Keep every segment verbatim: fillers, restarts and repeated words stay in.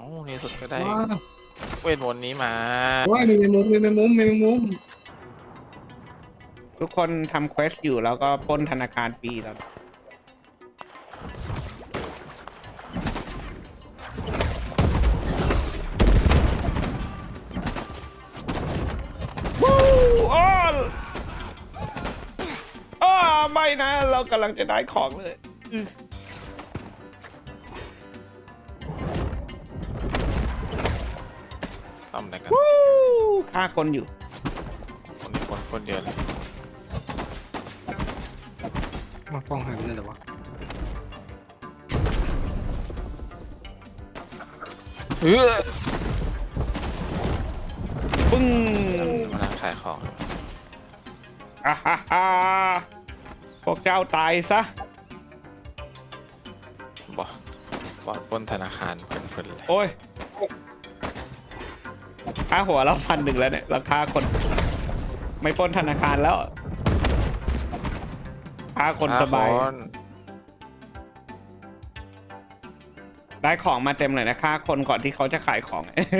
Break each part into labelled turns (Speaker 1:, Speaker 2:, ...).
Speaker 1: าในสุดก็ได้
Speaker 2: ว้าว
Speaker 1: เวทมนต์นี้มา
Speaker 2: โอ้ยมีแมงมุมมีแมงมุมมีแมงมุม
Speaker 3: ทุกคนทำเควสอยู่แล้วก็ปล้นธนาคารฟรีแล้ววู้อ้ออ้าไม่นะ เรากำลังจะได้ของเลยอื้อ
Speaker 1: ทำอะไรกัน
Speaker 3: วู้ฆ่าคนอยู่
Speaker 1: คนนี้คนคนเดียวเลย
Speaker 2: มาฟ้องหายไปเลยเหรอวะ
Speaker 1: เฮ้ย
Speaker 3: ปึ้ง
Speaker 1: มานั่งขายของ
Speaker 3: อ่าฮ่าฮ่าพวกเจ้าตายซะ
Speaker 1: บอสบอสปล้นธนาคารเพลินๆเลย
Speaker 3: โอ้ยค่าหัวเราพันหนึ่งแล้วเนี่ย ราคาคน ไม่ปล้นธนาคารแล้วค่าคนสบาย
Speaker 1: คน
Speaker 3: ได้ของมาเต็มเลยนะค่าคนก่อนที่เขาจะขายของ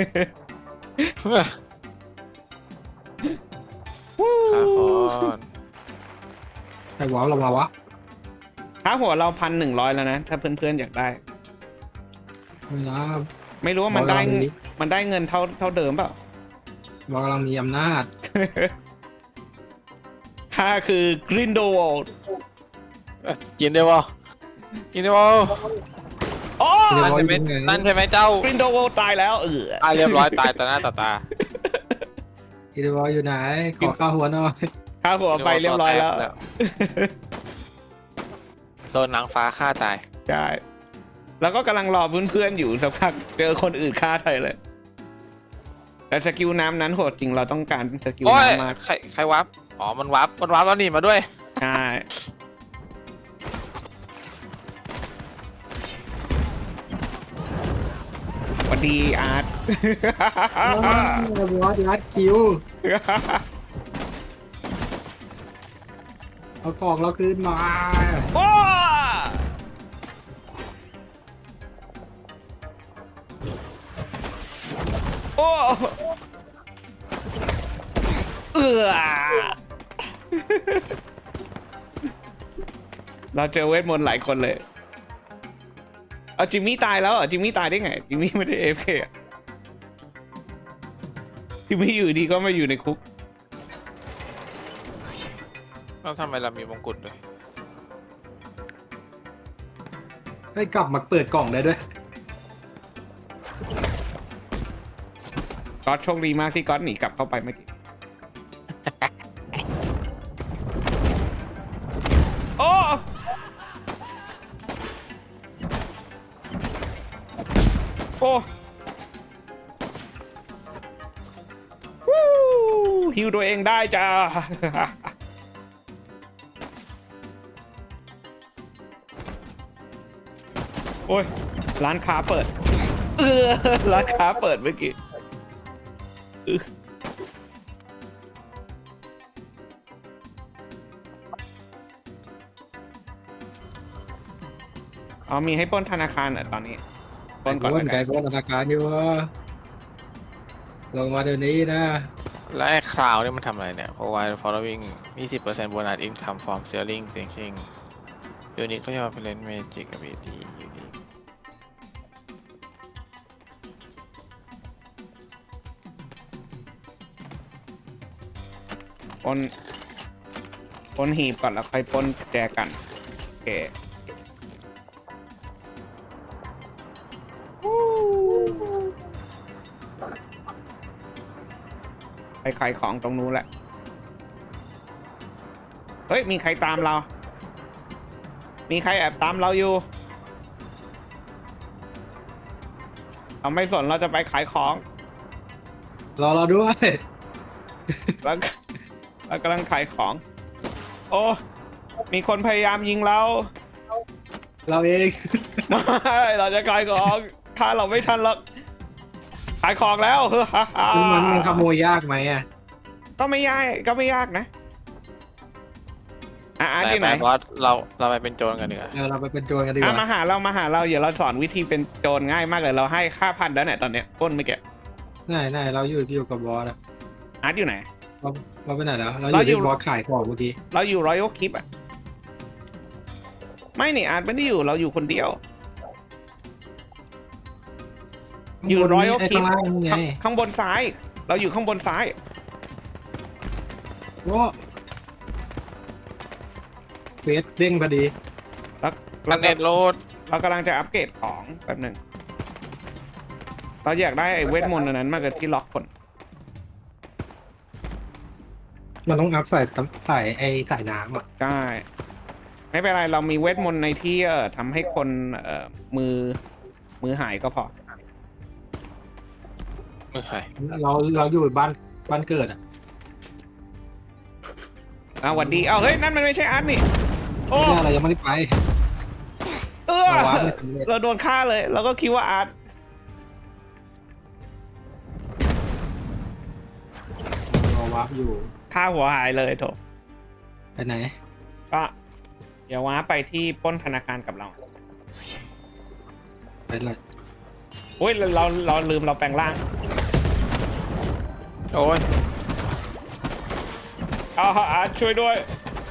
Speaker 1: ค่าคน
Speaker 2: ใครว้าวเรามาวะ
Speaker 3: ค่าหัวเราพันหนึ่งร้อยแล้วนะ ถ้าเพื่อนๆอยากได้
Speaker 2: ไม่นะ
Speaker 3: ไม่รู้ว่ามันได้
Speaker 2: บอกเราดิ
Speaker 3: มันได้เงินเท่าเท่าเดิมเปล่า
Speaker 2: เรากำลังมีอำนาจ
Speaker 3: ค่าคือกรินโดวอล
Speaker 1: เอ้ยกินได้ปะกินได้ปะ
Speaker 3: โอ้
Speaker 2: เดี๋ยว
Speaker 1: นั่นใช่ไหม
Speaker 2: ยังไง
Speaker 1: นั่นใช่ไหมเจ้าก
Speaker 3: รินโดวอลตายแล้วเออ
Speaker 1: ตายเรียบร้อยตายต่อหน้าต่อตา
Speaker 2: อีเดวอลอยู่ไหน ขอข้าวหัวหน่อย
Speaker 3: ค่าหัวไปเรียบร้อยแล้ว
Speaker 1: โดนนางฟ้าฆ่าตาย
Speaker 3: ใช่ แล้วก็กำลังรอเพื่อนๆอยู่สักพักเจอคนอื่นฆ่าไทยเลย แต่สกิลน้ำนั้นโหดจริงเราต้องการสกิล
Speaker 1: โอ้ย
Speaker 3: น้ำมาก
Speaker 1: ใครใครวับอ๋อมันวับมันวับแล้วนี่มาด้วย
Speaker 3: ใช่สวัสดีอาร์ต
Speaker 2: วอดรัดคิว เอาของเราคืนมา
Speaker 3: โอ้โอ้เออเราเจอเวทมนต์หลายคนเลยเอาจิมมี่ตายแล้วเหรอจิมมี่ตายได้ไงจิมมี่ไม่ได้เอฟเคจิมมี่อยู่ดีก็มาอยู่ในคุก
Speaker 1: แล้วทำไมเรามีมงกุฎด้วย
Speaker 2: ให้กลับมาเปิดกล่องได้ด้วย
Speaker 3: ก๊อตโชคดีมากที่ก๊อตหนีกลับเข้าไปเมื่อกี้ โอ้โอ้วู้ฮิวตัวเองได้จ้า โอ้ย ร้านค้าเปิด เออ ร้านค้าเปิดเมื่อกี้อื้ออ๋อมีให้ปล้นธนาคารเหรอตอนนี้ปล้นก่อน
Speaker 2: ไก่
Speaker 3: แล้ว
Speaker 2: ไก่
Speaker 3: กัน
Speaker 2: ป้นธนาคารอยู่ลงมาเดี๋ยวนี้นะ
Speaker 1: แล้วไอ้คราวนี่มันทำอะไรเนี่ย provide following ยี่สิบเปอร์เซ็นต์ bonus income from selling thinking unique ก็จะมาเป็น magic ability unique
Speaker 3: ปล้นปล้นหีบก่อนแล้วค่อยปล้นแจกันโอเคไปขายของตรงนู้นแหละ เฮ้ย มีใครตามเรา มีใครแอบตามเราอยู่ เราไม่สนเราจะไปขายของ
Speaker 2: รอเราด้วย
Speaker 3: แล้วเรากำลังขายของ โอ้ มีคนพยายามยิงเรา
Speaker 2: เราเอง
Speaker 3: ไม่เราจะขายของถ้าเราไม่ทันเราขายของแล้ว
Speaker 2: มันมันขโมยยากไหมอ่ะ
Speaker 3: ก็ไม่ยากก็ไม่ยากนะอ่ะอาร์ต
Speaker 1: ไป
Speaker 3: ที่ไห
Speaker 1: ไป
Speaker 3: น
Speaker 1: บอสเราเราไปเป็นโจรกันดีกว่า
Speaker 2: เออเราไปเป็นโจรกันดีก
Speaker 3: อ่ะ
Speaker 2: ว่า
Speaker 3: มาหาเรามาหาเราอย่าเราสอนวิธีเป็นโจรง่ายมากเลยเราให้ค่าพันแล้วเนี่ยตอนเนี้ยปล้นไม่แกะ
Speaker 2: ไหนไหนเราอยู่อยู่กับบอสอะ
Speaker 3: อาร์ตอยู่ไหน
Speaker 2: เราเราไปไหนแล้ว เราอ
Speaker 3: เรา
Speaker 2: ยู่
Speaker 3: อยู่
Speaker 2: ที่บอสขายของเมื่อกี้
Speaker 3: เราอยู่รอยัลคลิปอ่ะไม่นี่อาร์ตไม่ได้อยู่เราอยู่คนเดียว อยู่
Speaker 2: ข้างบน
Speaker 3: Royal
Speaker 2: ไอ้
Speaker 3: Keep
Speaker 2: ข้างล่างนี่ไง
Speaker 3: ข้างข้างบนซ้าย เราอยู่ข้างบนซ้าย
Speaker 2: โอ้เฟสเด้งพอดี
Speaker 3: แล้ว
Speaker 1: กั
Speaker 3: เรา
Speaker 1: นเน็ตโหลด
Speaker 3: เรากำลังจะอัปเกรดของแป๊บหนึ่งเราอยากได้ไอ้เวทมนต์อันนั้นมากเลยที่ล็อกคน
Speaker 2: มันต้องอัพใส่ตำใส่ไอ้ใส่น้ำอ่ะ
Speaker 3: ใช่ไม่เป็นไรเรามีเวทมนต์ในที่เอ่อทำให้คนเอ่อมือมือหายก็พอ
Speaker 1: ไม่ใช่
Speaker 2: เราเราอยู่บ้านบ้านเกิดอ่ะ
Speaker 3: อ่ะหวัดดีเอาเฮ้ยนั่นมันไม่ใช่อาร์ตนี่โอ้
Speaker 2: ไม่ใช่เรายังไม่ได้ไป
Speaker 3: เออ
Speaker 2: เราว้าร์ปไม่สำเร็จ
Speaker 3: เราโดนฆ่าเลย เราก็คิดว่าอาร์ต
Speaker 2: เราวาร์ปอยู่
Speaker 3: ฆ่าหัวหายเลยโถ
Speaker 2: ไปไหน
Speaker 3: ก็เดี๋ยวว้าไปที่ปล้นธนาคารกับเรา
Speaker 2: ไปเลย
Speaker 3: โอ้ยเราเราเราลืมเราแปลงร่าง
Speaker 1: โอ้ย
Speaker 3: เอาอาร์ตช่วยด้วย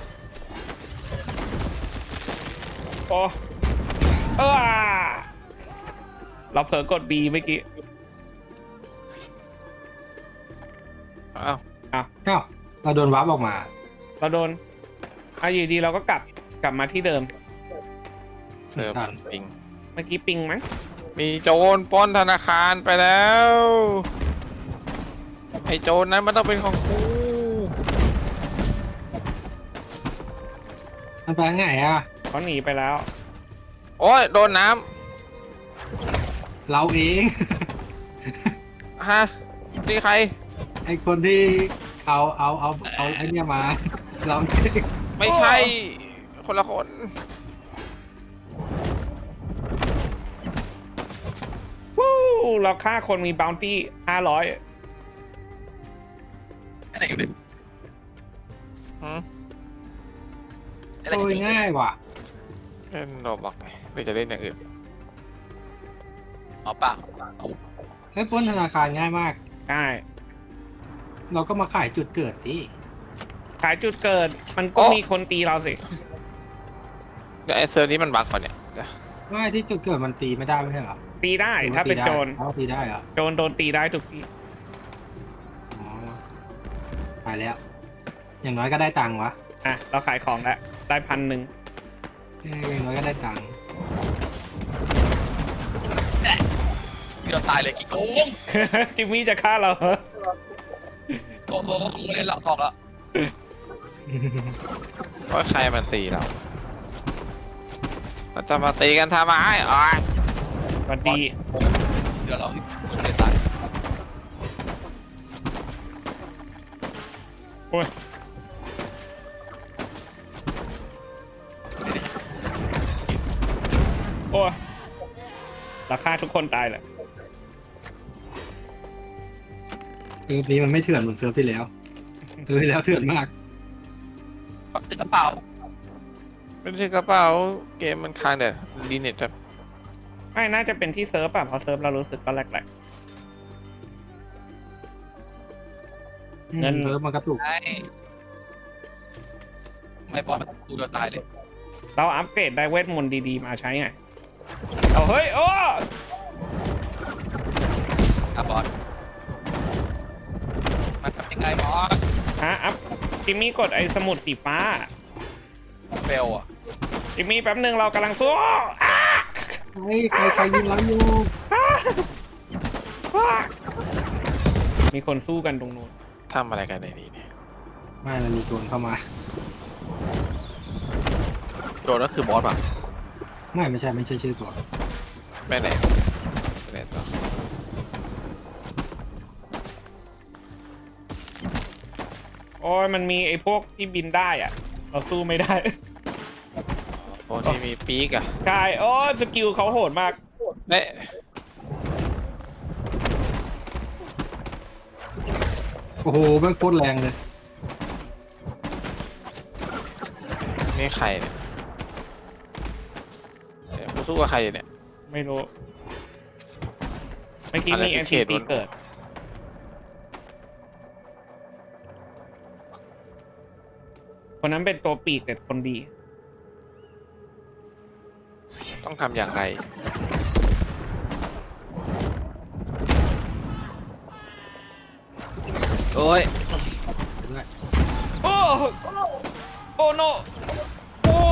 Speaker 3: โอ้เออเราเผลอกด B เมื่อกี้
Speaker 1: อ้าว
Speaker 3: อ้าว
Speaker 2: อ้าวเราโดนวาร์ปออกมา
Speaker 3: เราโดนอ่ะอยู่ดีเราก็กลับกลับมาที่เดิม
Speaker 1: เติม
Speaker 2: ทัน
Speaker 1: ปิง
Speaker 3: เมื่อกี้ปิงมั้ง
Speaker 1: มีโจรปล้นธนาคารไปแล้วไอ้โจรนั้นมันต้องเป็นของกู
Speaker 2: มันไปไงอ่ะ
Speaker 3: เขาหนีไปแล้ว
Speaker 1: โอ้ยโดนน้
Speaker 2: เราเอง
Speaker 1: ำฮะนี่ใคร
Speaker 2: ไอคนที่เอาเอาเอาเอาไอเนี้ยมา เราเอง
Speaker 1: ไม่ใช่ คนละคน
Speaker 3: วู้เราฆ่าคนมีบ o วตี้ห้าร้อย
Speaker 4: อะไรอยู่ดิ
Speaker 1: หืม
Speaker 4: อะไร
Speaker 2: โอ้
Speaker 4: อยู่
Speaker 2: ย
Speaker 4: ดิ
Speaker 2: ง่ายว่ะ
Speaker 1: เล่นโรบอกไงหรือจะเล่นอย่างอื่น
Speaker 4: อ๋อเปล่าเอา
Speaker 2: เฮ้ยปล้นธนาคารง่ายมาก
Speaker 3: ใช่
Speaker 2: เราก็มาขายจุดเกิดสิ
Speaker 3: ขายจุดเกิด มันก็มีคนตีเราสิ
Speaker 1: เดี๋ยวไอ้เซอร์นี้มันบั๊กก่อนเนี่ยเดี๋ยว
Speaker 2: ไม่ที่จุดเกิดมันตีไม่ได้ไม่ใช่เหรอ
Speaker 3: ตีได้
Speaker 2: หรือว่
Speaker 3: ถ้าเป็น
Speaker 2: ตีได้
Speaker 3: โจร
Speaker 2: อ๋อตีได้เหรอ
Speaker 3: โจรโดนตีได้ทุกที
Speaker 2: อ๋อไปแล้ว อย่างน้อยก็ได้ตังค์วะ
Speaker 3: อ่ะ เราขายของแล้ว ได้พันหนึ่ง
Speaker 2: เอ้ยอย่างน้อยก็ได้ตังค์
Speaker 4: พี่เราตายเลยกี่โกง
Speaker 3: จิมมี่จะฆ่าเราเหรอ
Speaker 4: โกงโกงเล่นหลังออกแล้ว
Speaker 1: ว่าใครมันตีเราเราจะมาตีกันทำไมอ๋อ
Speaker 3: สวัสดี
Speaker 4: เดี๋ยวเราเล่นตาย
Speaker 3: โอ้ย โอ้ยเราฆ่าทุกคนตายเลย
Speaker 2: เซิร์ฟนี้มันไม่เถื่อนเหมือนเซิร์ฟที่แล้วเซิร์ฟที่แล้วเถื่อนมาก
Speaker 4: ปักตึกกระเป๋า
Speaker 1: ไม่ใช่กระเป๋าเกมมันค้างเดี๋ยวดีเน็ตแบบ
Speaker 3: ไม่น่าจะเป็นที่เซิร์ฟอ่ะเพราะเซิร์ฟเรารู้สึกก็แหลก เงิน
Speaker 2: เซิร์ฟมันกระตุก
Speaker 4: ไอ้ไม่บอลมันกูเราตายเลย
Speaker 3: ๆเราอัปเกรดได้เวทมนต์ดีๆมาใช้ไง เอาเฮ้ย โอ้
Speaker 4: อ่ะบอลมันทำยังไงบอล
Speaker 3: ฮะอัพจิมมี่กดไอ้สมุดสีฟ้า
Speaker 4: เฟลอ่ะ
Speaker 3: จิมมี่แป๊บหนึ่งเรากำลังสู้อ้า
Speaker 2: เฮ้ยใครใครยิงเราอยู่
Speaker 3: มีคนสู้กันตรงนู้น
Speaker 1: ทำอะไรกันในนี้เนี่ย
Speaker 2: ไม่มันมีโจรเข้ามา
Speaker 1: โจรก็คือบอสป่ะ
Speaker 2: ไม่ไม่ใช่ไม่ใช่ชื่อตัว
Speaker 1: ไม่ไหนไม่ไหนต่อ
Speaker 3: โอ้ยมันมีไอ้พวกที่บินได้อ่ะ เราสู้ไม่ได้
Speaker 1: โอ้ที่มีปีกอะ
Speaker 3: ใช่โอ้สกิลเขาโหดมาก
Speaker 1: เน่
Speaker 2: โอ้โหแม่งโคตรแรงเลย
Speaker 1: นี่ใครเนี่ยเดี๋ยวกูสู้กับใครอยู่เนี่ย
Speaker 3: ไม่รู้เมื่อกี้
Speaker 1: อะไร
Speaker 3: มี
Speaker 1: ที่
Speaker 3: เอ็น
Speaker 1: เข
Speaker 3: พี
Speaker 1: ต
Speaker 3: ซี
Speaker 1: มัน
Speaker 3: เกิด คนนั้นเป็นตัวปีกแต่คนดี
Speaker 1: ต้องทำอย่างไร โอ้ย
Speaker 2: ด้วย
Speaker 3: โอ้โอ้โนโอ้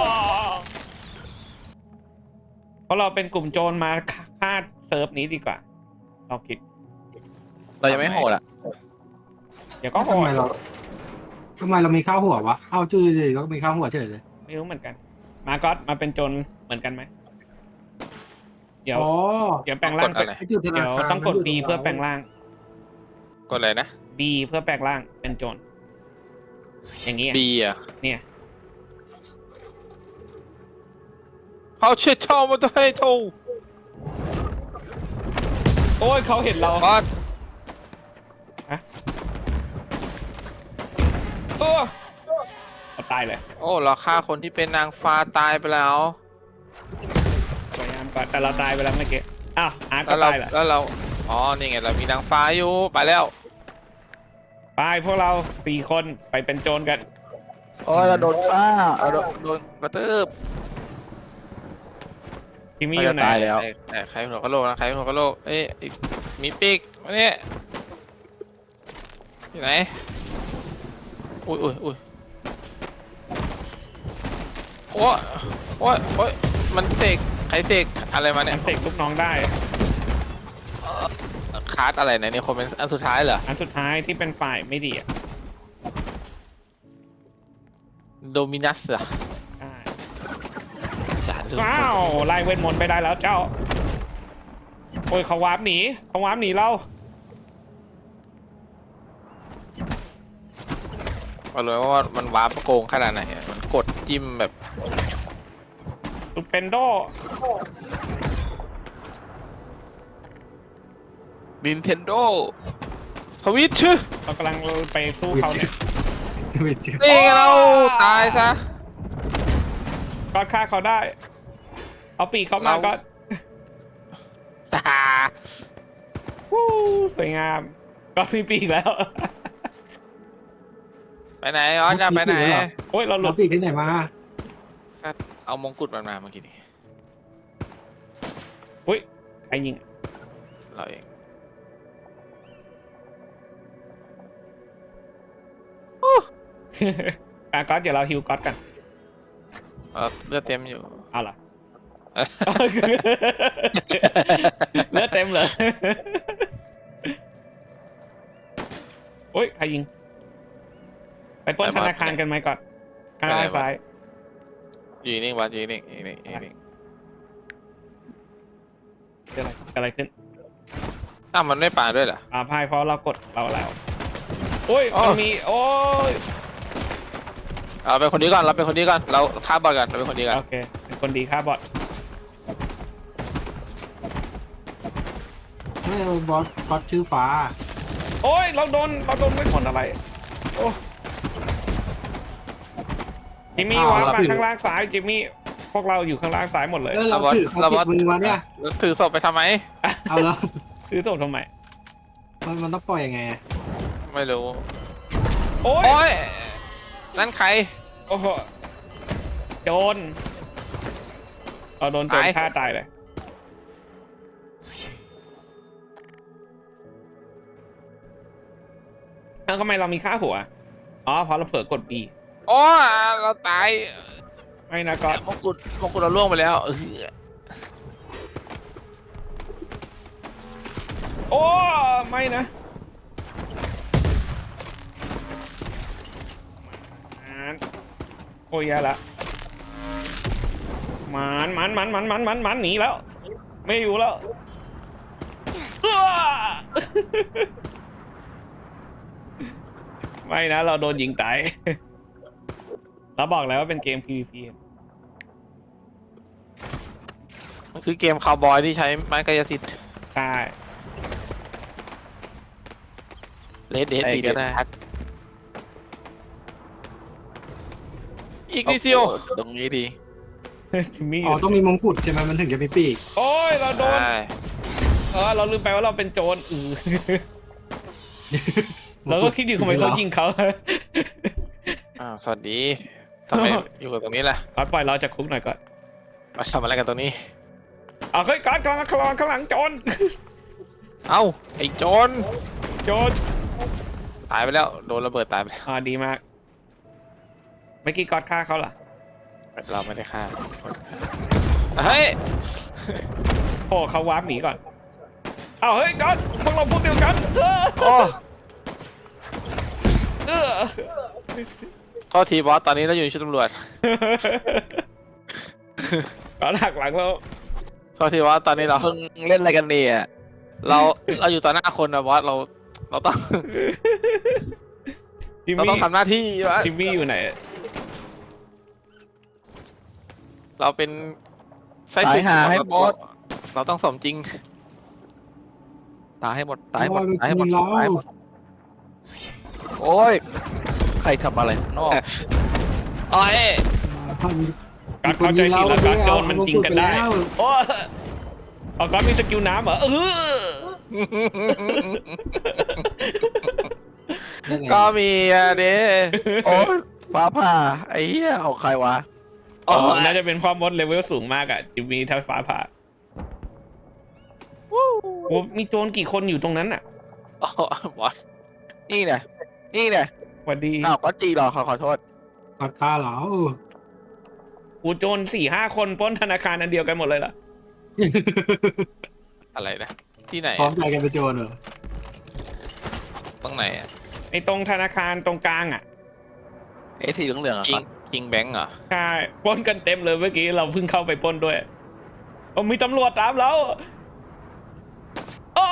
Speaker 3: เพราะเราเป็นกลุ่มโจรมาฆ่าเซิร์ฟนี้ดีกว่าเราคิด
Speaker 4: เรายังไม่โหดอ่ะ
Speaker 3: เดี๋ยวก็โห
Speaker 2: ทำไม
Speaker 3: ด
Speaker 2: เราทำไมเรามีข้าวหัววะข้าวจืดเลยก็มีข้าวหัวเฉยเลย
Speaker 3: ไม่รู้เหมือนกัน มาก็อตมาเป็นโจรเหมือนกันไหมเดี๋ยว
Speaker 2: อ๋อ
Speaker 3: เดี๋ยวแปลงร่าง
Speaker 1: กดอะไร
Speaker 2: ไอ้จุดธนา
Speaker 3: เดี๋ยว
Speaker 2: คาร
Speaker 3: ต้องกด
Speaker 2: มัน
Speaker 3: B
Speaker 2: ยู่
Speaker 3: เพื่อแปลงร่าง
Speaker 1: กดอะไรนะ
Speaker 3: B เพื่อแปลงร่างเป็นโจรอย่างนี้อะ
Speaker 1: B อ่ะ
Speaker 3: เนี่ย
Speaker 1: เขาเชื่อชอบมาตัวให้ทู
Speaker 3: โอ้ยเขาเห็นเรา
Speaker 1: บอส
Speaker 3: เออเราตายเลย
Speaker 1: โอ้เราฆ่าคนที่เป็นนางฟ้าตายไปแล้ว
Speaker 3: พยายามก่อนแต่เราตายไปแล้วเมื่อกี้อ้าวอาร์ต
Speaker 1: แล้
Speaker 3: ก็
Speaker 1: วเรา
Speaker 3: ตายเหรอ
Speaker 1: แล้วเราอ๋อนี่ไงเรามีนางฟ้าอยู่ไปแล้ว
Speaker 3: ไปพวกเราสี่คนไปเป็นโจรกัน
Speaker 4: โอ้ยเราโดนฆ่าเราโดนโดนกระตืบ
Speaker 3: ทีมี่อยู่ไหน
Speaker 4: ตายแล้ว
Speaker 1: ไอ้ไอ้ใครหัวกะโหลกนะใครหัวกะโหลกเอ้ยอีกมีปีกมาเนี่ยที่ไหนอุ้ยอุ้ยอุ้ยโอ้ยโอ้ยโอ้ยมันเสกใครเสกอะไรมา
Speaker 3: มั
Speaker 1: เนี่ย
Speaker 3: นเสกลูกน้องได้
Speaker 1: คาร์ดอะไรเนี่ยนี่คอมเมนต์อันสุดท้ายเหรอ
Speaker 3: อันสุดท้ายที่เป็นฝ่ายไม่ดีอ่ะ
Speaker 1: โดมินัสเหรอ
Speaker 3: ใช่
Speaker 1: อย่าลืม
Speaker 3: ว้าวไล่เวทมนต์ไปได้แล้วเจ้า โอ้ยเขาวาร์ปหนีเขาวาร์ปหนีเรา
Speaker 1: เอาเลยว่ามันวาร์ปโกงขนาดไหนอะมันกดจิ้มแบบ
Speaker 3: สุดเป็นโด
Speaker 4: Nintendo
Speaker 1: สวิตช์ชื่อ
Speaker 3: เรากำลังไปสู้เขาเนี่ย
Speaker 2: ไม่เจอ
Speaker 1: นี่ไงเราตายซะ
Speaker 3: ก็ฆ่าเขาได้ เอาปีกเขามา
Speaker 1: เรา
Speaker 3: ก็วู้สวยงาม ก็มีปีกแล้ว
Speaker 1: ไปไหนอ๋อจะไปไหน
Speaker 3: โอ้ยเราหลุ
Speaker 2: เรา
Speaker 3: ด
Speaker 2: ปีกที่ไหนมา
Speaker 1: ก็เอามงกุฎมันมาเมื่อกี้นี้
Speaker 3: อุ้ยใครยิง
Speaker 1: เราเอง
Speaker 3: อ่ะก๊อตเดี๋ยวเราฮิวก๊อตกัน
Speaker 1: เราเลือดเต็มอยู่
Speaker 3: เอาล่ะ เลือดเต็มเลยโอ้ยใครยิง ไปปล้นธนาคารกันไหมก่อนข้างล่างซ้าย
Speaker 1: อยู่นิ่งวัดอยู่นิ่งอยู่นิ่งอยู่นิ่ง
Speaker 3: เกิดอะไรเกิดอะไรขึ้น
Speaker 1: อ้าวมันไม่ป่าด้วยเหรอ
Speaker 3: อ่าพายเพราะเรากดเราแล้วโอ้ย
Speaker 1: อ๋อ
Speaker 3: มันมีโอ้ย
Speaker 1: เอาเป็นคนนี้ก่อนเราเป็นคนนี้ก่อนเราฆ่าบอลกันเราเป็นคนนี้กัน
Speaker 3: โอเคเป็นคนดีค่าบอท
Speaker 2: ไม่เอาบอสบอสชื่อฟ้า
Speaker 3: โอ้ยเราโดนเราโดนไม่ผลอะไรโอ้จิมมี่
Speaker 2: อ้าว
Speaker 3: วาง
Speaker 2: เรา
Speaker 3: มา
Speaker 2: ถือ
Speaker 3: ข้างล่างซ้ายจิมมี่พวกเราอยู่ข้างล่างซ้ายหมดเลย
Speaker 2: แล้วเราถือเขาติดมือมาเนี่ย
Speaker 1: แล้วถือศพไปทำไม
Speaker 2: เอาแล้ว
Speaker 3: ซื้อส่งทำไม
Speaker 2: มันมันต้องปล่อยยังไงอะ
Speaker 1: ไม่รู้
Speaker 3: โอ้ย
Speaker 1: โอ้ยนั่นใคร
Speaker 3: โอ้โหโจรเราโดนโจร
Speaker 1: ตาย
Speaker 3: ฆ่าตายเลยแล้วทำไมเรามีค่าหัวอ๋อเพราะเราเผลอกด B
Speaker 1: โอ้ยเราตาย
Speaker 3: ไม่นะก๊อต
Speaker 1: มงกุฎมงกุฎเราล่วงไปแล้วเออ
Speaker 3: โอ้ไม่นะมันโอ้ยแย่ละมันมันมันมันมันมันมันหนีแล้ว ไม่อยู่แล้วอ้า ไม่นะเราโดนยิงตาย เราบอกแล้วว่าเป็นเกม พี วี พี
Speaker 1: มันคือเกมคาวบอยที่ใช้ไม้กายสิทธิ์
Speaker 3: ใช่
Speaker 1: เลดเดด
Speaker 4: ไอ้
Speaker 1: สี
Speaker 4: ก็
Speaker 1: เด
Speaker 4: ได้
Speaker 1: ทักอีกนิดเดียว
Speaker 4: อาตรงนี้ดี
Speaker 3: จิมมี่
Speaker 2: อ๋อต้องมีมงกุฎใช่ไหมมันถึงจะมีปีก
Speaker 3: โอ้ยเราโดน
Speaker 1: ใช่
Speaker 3: เออเราลืมไปว่าเราเป็นโจรอือเราก็คิดอยู่ทำไมเขายิงเขา
Speaker 1: อ้าวสวัสดีทำไมอยู่กับตรงนี้ล่ะ
Speaker 3: ก่อนปล่อยเราจากคุกหน่อยก่อน
Speaker 1: มาทำอะไรกันตรงนี้
Speaker 3: เอาเฮ้ยก่อนกำลังข้างหลังข้างหลังโจร
Speaker 1: เอ้าไอ้โจร
Speaker 3: โจร
Speaker 1: ตายไปแล้วโดนระเบิดตายไปแล้ว
Speaker 3: อ่าดีมากเมื่อกี้กอดฆ่าเขาเหรอ
Speaker 1: เราไม่ได้ฆ่าเฮ้ย
Speaker 3: โอ้เขาวาร์ปหนีก่อนเอาเฮ้ยกอดพวกเราพวกเดียวกันเออ
Speaker 1: โอ้
Speaker 3: เออ
Speaker 1: โทษทีบอสตอนนี้เราอยู่ในชุดตำรวจ
Speaker 3: กอดหักหลังเรา
Speaker 1: โทษทีบอสตอนนี้เรา
Speaker 4: มึงเล่นอะไรกันเนี่ย
Speaker 1: เราเราอยู่ต่อหน้าคนนะบอสเราเราต้อง
Speaker 3: จิม
Speaker 1: เรา
Speaker 3: มี่
Speaker 1: ต้องทำหน้าที่วะ
Speaker 3: จิมมี่อยู่ไหน
Speaker 1: เราเป็นไส้
Speaker 4: ตา
Speaker 1: ศึ
Speaker 4: ย
Speaker 1: ก
Speaker 4: หาให้บอส
Speaker 1: เราต้องสมจริง
Speaker 4: ตายให้หมดตายให้หมด
Speaker 2: โอ้ย
Speaker 4: ตายให้หมด
Speaker 2: มีเรา
Speaker 4: ตายให้หมดโอ้ยใครทำอะไรข้างนอก
Speaker 1: โอ้ย
Speaker 3: การเข้าใจผิดแล้วการโจรมันจริงกันได้โอ้เอาการมีสกิลน้ำเหรอเออ
Speaker 1: ก็มีอะเด้
Speaker 4: โอ้ยฟ้าผ่าไอ้เหี้ยเอาใครวะ
Speaker 3: อ๋อน่าจะเป็นความมดเลเวลสูงมากอะจิมมี่ถ้าฟ้าผ่าโอ้มีโจรกี่คนอยู่ตรงนั้นอะ
Speaker 1: อ๋อบอส
Speaker 4: นี่เนี่ยนี่เนี่ย
Speaker 3: สวัสดี
Speaker 4: อ้าวก็จีเหรอขอขอโทษ
Speaker 2: กอดข้าเหรอ
Speaker 3: กูโจรสี่ห้าคนปล้นธนาคารอันเดียวกันหมดเลยเหรอ
Speaker 1: อะไรนะที่ไหน
Speaker 2: พร้อม
Speaker 1: อะ
Speaker 2: ใจกันไปโจรเหรอ
Speaker 1: ตรงไหนอะ
Speaker 3: ไอ้ตรงธนาคารตรงกลางอะ
Speaker 4: ไอ้สีเหลืองๆอ่ะ
Speaker 1: คิงคิงแบงก์เหรอ
Speaker 3: ใช่ปล้นกันเต็มเลยเมื่อกี้เราเพิ่งเข้าไปปล้นด้วยโอ้มีตำรวจตามเราอ้อ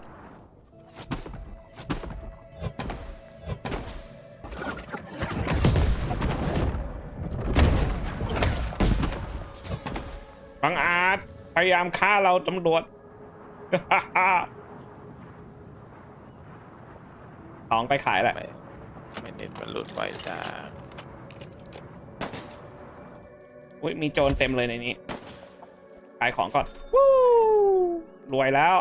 Speaker 3: บังอาจพยายามฆ่าเราตำรวจ สองไปขายแหละ
Speaker 1: ไม่ไม่เน็ตมันหลุดไวจ้า
Speaker 3: อุ้ยมีโจรเต็มเลยในนี้ขายของก่อนวู้รวยแล้ว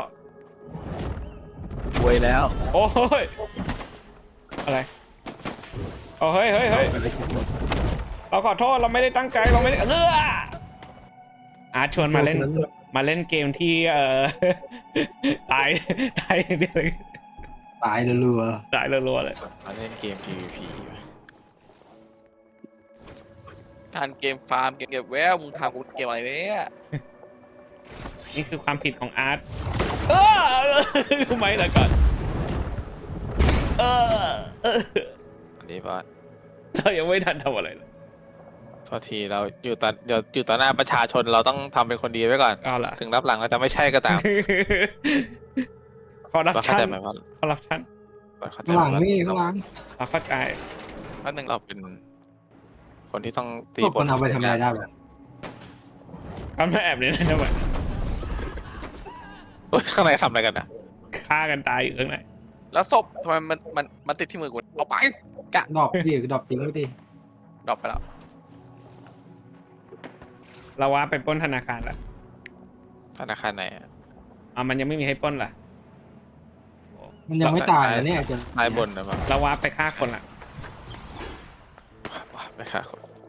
Speaker 4: รวยแล้ว
Speaker 3: โอ้ยอะไรโอ้เฮ้ยเฮ้ยเฮ้ยเราขอโทษเราไม่ได้ตั้งใจเราไม่ได้เอออาร์ตชวนมาเล่นมาเล่นเกมที่เอ่อ ตายตายอย่างเดียวเลย
Speaker 2: ตายรัว
Speaker 3: ตายรัวๆเลย
Speaker 1: มาเล่นเกม พี วี พี
Speaker 4: การเกมฟาร์มเกมเก็บแววมึงทำกูเกมอะไรเนี่ย
Speaker 3: นี่คือความผิดของอาร์ตเออทำไมล่ะก่อนเออเออ
Speaker 1: อันนี้บอส
Speaker 3: เรายังไม่ทันทำอะไรเลย
Speaker 1: โทษทีเราอยู่ต่อเดี๋ยวอยู่ต่อหน้าประชาชนเราต้องทำเป็นคนดีไว้ก่อน
Speaker 3: เอาล่ะ
Speaker 1: ถึงรับหลังเราจะไม่ใช่ก็ตาม
Speaker 3: คอร์รัป
Speaker 1: บอสเข้า
Speaker 3: ชัน
Speaker 1: ใจไหมบอส
Speaker 3: คอร์รัปชัน
Speaker 1: บอสเข้าใจ
Speaker 2: ๆข้างหลัง
Speaker 1: ไหม
Speaker 2: นี่
Speaker 1: บอส
Speaker 2: ข้างหลัง
Speaker 3: เราเข้าใจ
Speaker 4: แป๊บนึง
Speaker 1: เราเป็น คนที่ต้องตี
Speaker 2: พวกคนเอาไปทำอะไรได้แบบ
Speaker 3: ทำให้แอบเลยนะทำไม
Speaker 1: เฮ้ยข้างในทำอะไรกันอ่ะ
Speaker 3: ฆ่ากันตายอยู่ข้างใน
Speaker 4: แล้วศพทำไมมันมันมันติดที่มือกูเอาไปกะ
Speaker 2: ดอกดิดอกจริงก็ดิ
Speaker 4: ดรอปไปแล้ว
Speaker 3: เราว่าไปปล้นธนาคารละ
Speaker 1: ธนาคารไหนอะ
Speaker 3: อ่ะมันยังไม่มีให้ปล้นล่ะ
Speaker 2: มันยังไม่ตายนะเนี่ยจน
Speaker 1: นายบนนะมั้ง
Speaker 3: เราว่าไปฆ่าคนละ
Speaker 1: ไม่ค่ะคน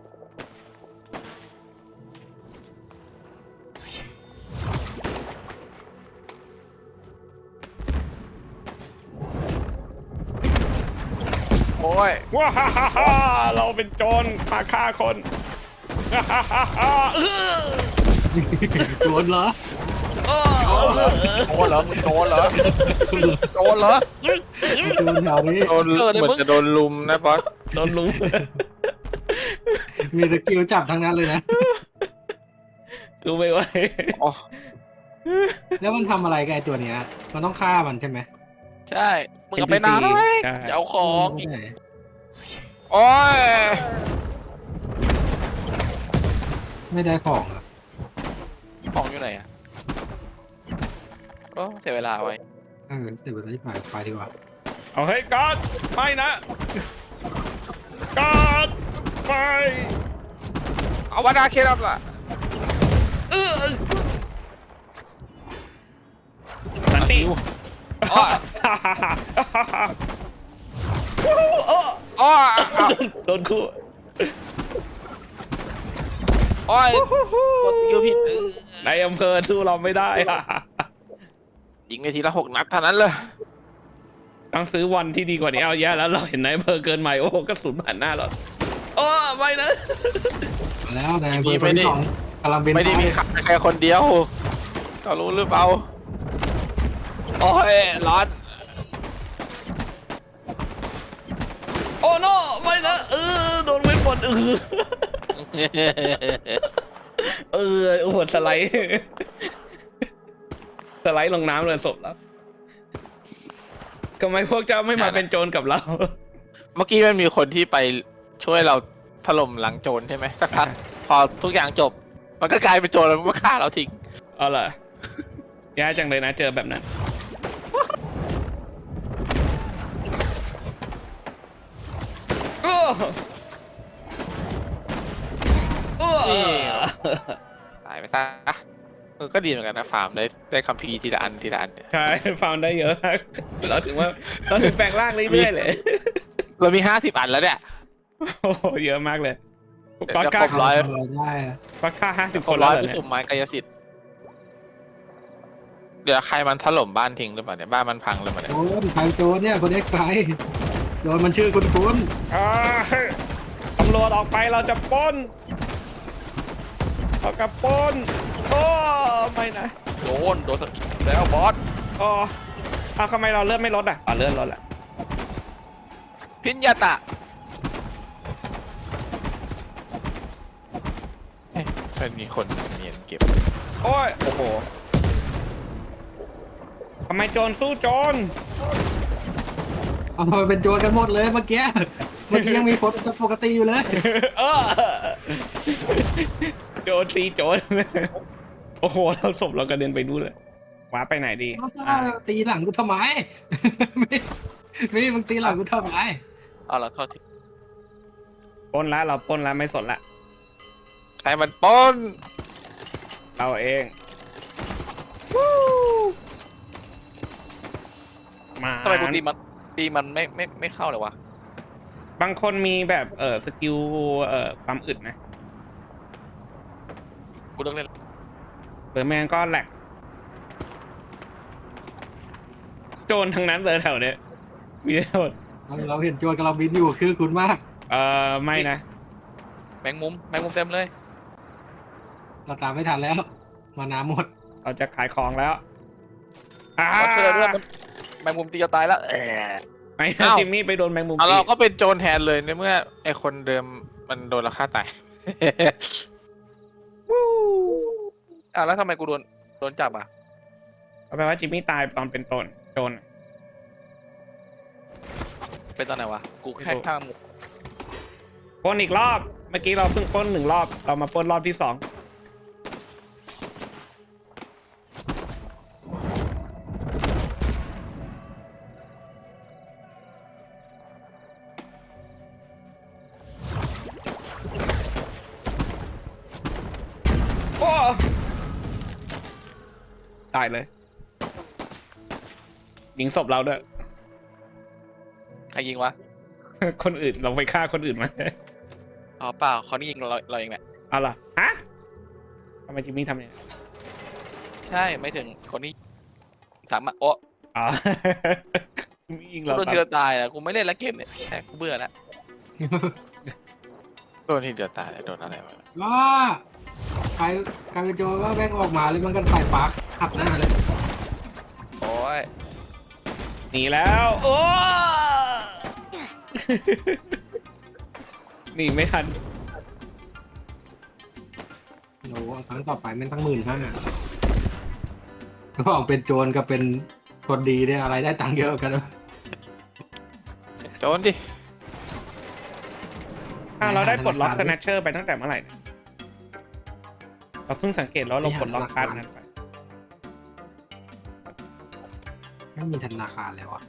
Speaker 4: โอ้ย
Speaker 3: ว้าฮ่าฮ่าฮ่าเราเป็นโจรมาฆ่าคนฮ่าฮ่าฮ่าฮ่าเออ
Speaker 2: โจรเหรอ
Speaker 3: เออเออเออ
Speaker 4: โดนเหรอมึงโดนเหรอโดนเหรอ
Speaker 2: โจรแถวนี้
Speaker 1: โดน
Speaker 4: เออเดี๋ยว
Speaker 1: เหมือ
Speaker 4: มึ
Speaker 1: น
Speaker 4: ง
Speaker 1: จะโดนลุมนะบอส
Speaker 3: โดนลุม
Speaker 2: มีสกิลจับทั้งนั้นเลยนะ
Speaker 3: ดูไม่ไหว
Speaker 1: อ๋อ
Speaker 2: แล้วมันทำอะไรกับไอ้ตัวเนี้ย มันต้องฆ่ามันใช่ไหม
Speaker 4: ใช่มึงเอาไปนานแล้วไหม
Speaker 3: ใช่
Speaker 4: จะเอาของอีก
Speaker 2: ไม่ได้
Speaker 1: โอ้ย
Speaker 2: ไม่ได้ของอ่ะ
Speaker 4: ของอยู่ไหนอ่ะก็เสียเวลาไว้
Speaker 2: เออเสียเวลาที่ผ่านไปดีกว่า
Speaker 3: เอาเฮ้ยกอดไม่นะกอดไป
Speaker 1: เอาวานาเคลับล่ะ
Speaker 3: เออสันติ
Speaker 1: อ๋อ
Speaker 3: โอ้
Speaker 1: อ๋อ
Speaker 3: โดนคู่
Speaker 1: โอ้ยกดคิวผิดเออ
Speaker 3: ในอำเภอสู้เราไม่ได้
Speaker 1: ยิงไปทีละหกนัดเท่านั้นเลย
Speaker 3: ต้องซื้อวันที่ดีกว่านี้เอาแย่แล้วเราเห็นในอำเภอเกินใหม่โอ้โหกระสุนผ่านหน้าเราโอ้ไม่นะ
Speaker 2: มาแล้วนายอำเภอคนที่สองกำลังบิน
Speaker 1: ไม่ได้มี
Speaker 2: ไป
Speaker 1: ใครแค่คนเดียวก็รู้หรือเปล่าโอ้ยร้อน
Speaker 3: โอ้โนไม่นะเออโดนเว้นบนเออเออโอ้โหสไลด์สไลด์ลงน้ำเลยศพแล้วทำไมพวกเจ้าไม่มาเป็นโจรกับเรา
Speaker 1: เมื่อกี้มันมีคนที่ไปช่วยเราถล่มหลังโจรใช่ไหมสักพักพอทุกอย่างจบ มันก็กลายเป็นโจรแล้วมันก็ฆ่าเราทิ้ง
Speaker 3: เอาล่ะแย่จังเลยนะเจอแบบนั้นโอ้โอ้
Speaker 1: ตายไปซะเออก็ดีเหมือนกันนะฟาร์มได้ได้คัมภีร์ทีละอันทีละอันเนี่ย
Speaker 3: ใช่ฟาร์มได้เยอะมากเราถึงว่าเราถึงแปลงร่างเรื่อยๆเลย
Speaker 1: เรามีห้าสิบอันแล้วเนี่ย
Speaker 3: โอ้โหเยอะมากเลย
Speaker 1: เดี๋ยว
Speaker 3: ก็
Speaker 1: ครบร้อย
Speaker 2: ได้อะ
Speaker 3: ก็ค่าห้าสิบ
Speaker 1: ค
Speaker 3: คน
Speaker 1: น
Speaker 3: แล้
Speaker 1: ร้
Speaker 3: ว
Speaker 1: อย
Speaker 3: เหรอ
Speaker 1: ไป
Speaker 3: เนี่ย
Speaker 1: สุ่มไม้กายสิทธิ์เดี๋ยวใครมันถล่มบ้านทิ้งหรือเปล่าเนี่ยบ้านมันพังเลยมาเนี่ย
Speaker 2: โจรใครโจรเนี่ยคนนี้ใครโจรมันชื่อคุณคุณ
Speaker 3: อ่าตำรวจออกไปเราจะปล้นเรากับปล้นโอ้ไม่นะ
Speaker 4: โดนโดนสกิลแล้วบอส
Speaker 3: โอ้เอาทำไมเราเลื่อนไม่ลดอ่ะอ๋อเลื่อนลดแหละ
Speaker 4: พิญญาตะ
Speaker 1: เฮ้ยมันมีคนเนียนเก็บ
Speaker 3: โอ้ยโอ้โหทำไมโจรสู้โจร
Speaker 2: เอามาเป็นโจรกันหมดเลยเมื่อกี้เมื่อกี้ยังมีคนปกติอยู่เลย
Speaker 3: เออโจรซีโจรโอ้โหเราศพเรากระเด็นไปดูเลยว้าไปไหนดีอ่ะ
Speaker 2: ตีหลังกูทำไม ไม่ไม่มึงตีหลังกูทำไม
Speaker 4: เอาละโทษที
Speaker 3: ปล้นแล้วเราปล้นแล้วไม่สนละ
Speaker 1: ใครมันปล้น
Speaker 3: เราเองมา
Speaker 4: ทำไมกูตีมันตีมันไม่ไม่ไม่เข้าเลยวะ
Speaker 3: บางคนมีแบบเออสกิลเอ่อความอึดนะ
Speaker 4: กูเลิกเล่น
Speaker 3: หรือไม่งั้นก็แหลกโจรทั้งนั้นเลยแถวเนี้ยมีแต่โจร
Speaker 2: เราเห็นโจรกับเราบินอยู่คือคุณมาก
Speaker 3: เออไม่นะ
Speaker 4: แมงมุมแมงมุมเต็มเลย
Speaker 2: เราตามไม่ทันแล้ว มาน้ำหมด
Speaker 3: เราจะขายของแล้วอ่า
Speaker 4: บอสช่วยเราด้วยมันแมงมุมตีจะตายแล้วเออ
Speaker 3: ไม่นะจิมมี่ไปโดนแมงมุม
Speaker 1: เอา
Speaker 3: ตี
Speaker 1: เราก็เป็นโจรแทนเลยในเมื่อไอคนเดิมมันโดนเราฆ่าตาย
Speaker 4: อ่ะแล้วทำไมกูโดนโดนจับอ่ะ
Speaker 3: เอาแปลว่าจิมมี่ตายตอนเป็นโจรโจร
Speaker 4: เป็นตอนไหนวะกูแค่ข้าม
Speaker 3: ปล้นอีกรอบเมื่อกี้เราเพิ่งปล้นหนึ่งรอบเรามาปล้นรอบที่สองโอ้ตายเลย ยิงศพเราด้วย
Speaker 4: ใครยิงวะ
Speaker 3: คนอื่นเราไปฆ่าคนอื่นมา
Speaker 4: อ๋อเปล่าเขานี่ยิงเราเราเองแหละ
Speaker 3: เอาล่ะฮะทำไมจิมมี่ทำอย่างนี้
Speaker 4: ใช่ไม่ถึงคนนี้สามารถโอ้
Speaker 3: อ๋อ จิมมี่ยิง
Speaker 4: กู
Speaker 3: เรา
Speaker 4: โดน
Speaker 3: ตา
Speaker 4: ที
Speaker 3: ย
Speaker 4: ละตายแล้วกูไม่เล่นแล้วเกมเนี่ยแค่กูเบื่อแล้ว
Speaker 1: โดนที่เดียวตายเลยโดนอะไรมา
Speaker 2: ว้าใครใครเป็นโจรว่าแม่งออกมาเลยมันกันไฟฟ้าขับหน้าเลย
Speaker 4: โอ้ย
Speaker 3: หนีแล้วโอ้ หนีไม่ทัน
Speaker 2: โอ้โหครั้งต่อไปแม่งตั้งหมื่นห้าก็ออกเป็นโจรกับเป็นคนดีเนี่ยอะไรได้ตังค์เยอะกันวะ
Speaker 1: โจรดิ
Speaker 3: อ้าวเราได้ปลดล็อกสแนชเชอร์ไปตั้งแต่เมื่อไหร่เนี่ยเราเพิ่งสังเกตแล้วเราปลดล็อกคัสนั้นไป
Speaker 2: ไม่มีธนาคารเลยวะ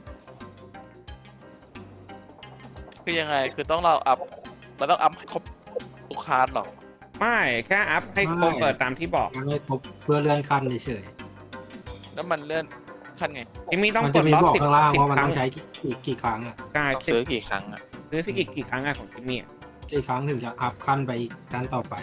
Speaker 4: คือยังไงคือต้องเราอัพเราต้องอัพให้ครบทุกคาร์ดหรอ
Speaker 3: ไม่แค่อัพให้ครบเปิดตามที่บอก
Speaker 2: ยังไม่ครบเพื่อเลื่อนขั้นเฉย
Speaker 5: แล้วมันเลื่อนขั้นไง
Speaker 3: จิมมี่
Speaker 2: ๆ
Speaker 3: ต้อง
Speaker 2: มัน
Speaker 3: ก
Speaker 2: จะ
Speaker 3: ด
Speaker 2: มี
Speaker 3: ล็อก
Speaker 2: บอก
Speaker 3: สิบ
Speaker 2: ข้างล่าง
Speaker 3: สิบ
Speaker 2: ว่ามัน
Speaker 3: ครั้
Speaker 2: ต้
Speaker 3: ง
Speaker 2: องใช้กี่กี่ครั้งอ่ะ
Speaker 3: ใช่
Speaker 1: ต้อง
Speaker 3: สิบ
Speaker 1: ซื้อกี่ครั้งอะ
Speaker 3: ซื้อสิกี่กี่ครั้งอะของจิมมี่อะ
Speaker 2: กี่ครั้งถึงจะอัพขั้นไปอีกขั้นต่อไป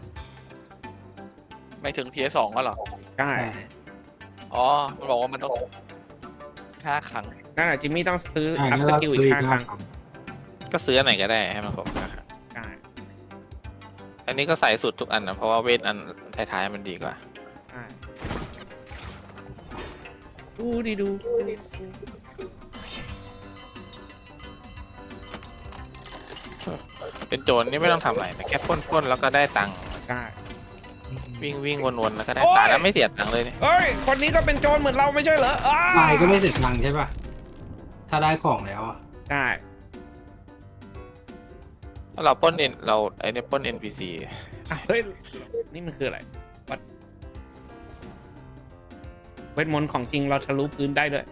Speaker 5: ไม่ถึงทีสองก็หรอ
Speaker 3: ใช่
Speaker 2: ใช่
Speaker 5: อ๋อมันบอกว่ามันต้องห้าครั้ง
Speaker 3: นั่นแหละจิมมี่ต้องซื้อ
Speaker 2: ใช่
Speaker 3: อัพ
Speaker 2: แล้ว
Speaker 3: ส
Speaker 2: ก็
Speaker 3: กิล
Speaker 2: ซื้
Speaker 3: อี
Speaker 2: อก อี
Speaker 3: ห้าก ครั้ง
Speaker 2: ครั้ง
Speaker 1: ก็ซื้ออันไหนก็ได้ให้มันครบนะครับ
Speaker 3: ใช่
Speaker 1: อันนี้ก็ใส่สุดทุกอันนะเพราะว่าเวทอันท้ายๆมันดีกว่า
Speaker 3: ใช่ดูดิดู
Speaker 1: เป็นโจรนี่ไม่ต้องทำอะไรนะแค่ปล้นๆแล้วก็ได้ตังค์
Speaker 3: ใช่
Speaker 1: วิ่งวิ่งวนๆแล้วก็ได้ตังค์แล้วไม่เสียตังค์เลยเนี่ย
Speaker 3: เอ้ยคนนี้ก็เป็นโจรเหมือนเราไม่ใช่เหรออ้า
Speaker 2: ลายก็ไม่เสร็จตังค์ใช่ป่ะ ถ้าได้ของแล้วอะ
Speaker 3: ใช่
Speaker 1: ถ้าเราปล้นเอ็นเราไอ้เนี่ยปล้น เอ็น พี ซี
Speaker 3: อ่ะเฮ้ยนี่มันคืออะไรวัดเวทมนต์ของจริงเราทะลุพื้นได้ด้วย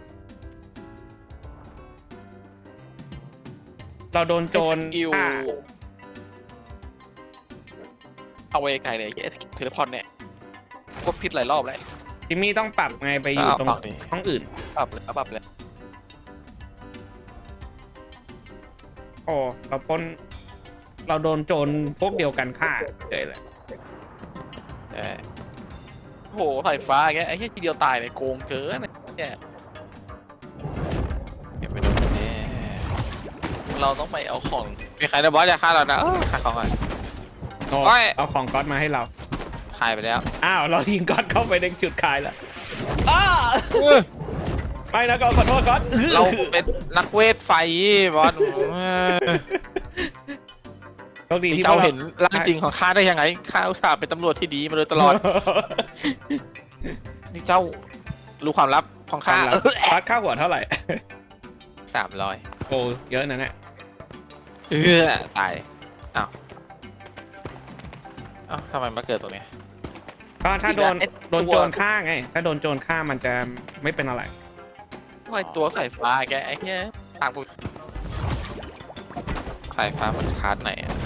Speaker 3: เราโดนโจร
Speaker 5: สกิล
Speaker 3: ฆ่า
Speaker 5: เอาไว้ไกลเลยไอ้เทเลพอร์ตเนี่ยโคตรพิษหลายรอบแล้ว
Speaker 3: จิมมี่ต้องปรับไงไปอยู่ตรงห้องอื่น
Speaker 5: ปรับเลยปรับเลย
Speaker 3: โอ้เราปล้นเราโดนโจรพวกเดียวกันฆ่าเลยแหละ
Speaker 1: ใช่
Speaker 5: โอ้โหสายฟ้าแกไอ้แค่ทีเดียวตายเลยโกงเกินเนี่ย
Speaker 1: เก็บไปดูนี่
Speaker 5: เราต้องไปเอาของ
Speaker 1: มีใครนะบอสจะฆ่าเรานะเออฆ่าของก่อน
Speaker 3: โอ้
Speaker 1: โอ้ย
Speaker 3: เอาของก๊อตมาให้เรา
Speaker 1: ขายไปแล้ว
Speaker 3: อ้าวเรายิงก๊อตเข้าไปในจุดขายแล้วอ้าไม่นะก๊อตขอโทษก๊อต
Speaker 1: เราเป็นนักเวทไฟบอสเออ
Speaker 3: โชคดี
Speaker 1: นี่
Speaker 3: ที่
Speaker 1: เจ้า
Speaker 3: พวกร
Speaker 1: เห็นร่างจริงของข้าได้ยังไงข้าอุตส่าห์เป็นตำรวจที่ดีมาโดยตลอด นี่เจ้ารู้ความลับของข้า
Speaker 3: ก๊อตค่าหัวเท่าไหร่
Speaker 1: สามร้อย
Speaker 3: โอ้เยอะนะเนี่ย
Speaker 1: เออตายอ้าวอ้าวทำไมมาเกิดตรงนี้
Speaker 3: ก็ถ้าโดน
Speaker 5: ไอ้
Speaker 3: โดน
Speaker 5: ตัว
Speaker 3: โจรฆ่าไง ถ้าโดนโจรฆ่ามันจะไม่เป็นอะไร
Speaker 5: ไอ้ตัวสายฟ้าแกไอ้แค่ต่างกู
Speaker 1: สายฟ้ามันคาร์ดไหนอะ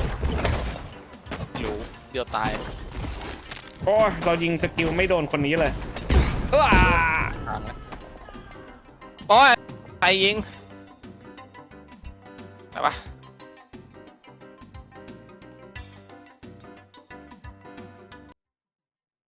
Speaker 5: รู้เดียวตาย
Speaker 3: โอ้ยเรายิงสกิลไม่โดนคนนี้เลยเออ
Speaker 5: ทางแล้ว
Speaker 1: โอ้ยใครยิงอะไรวะ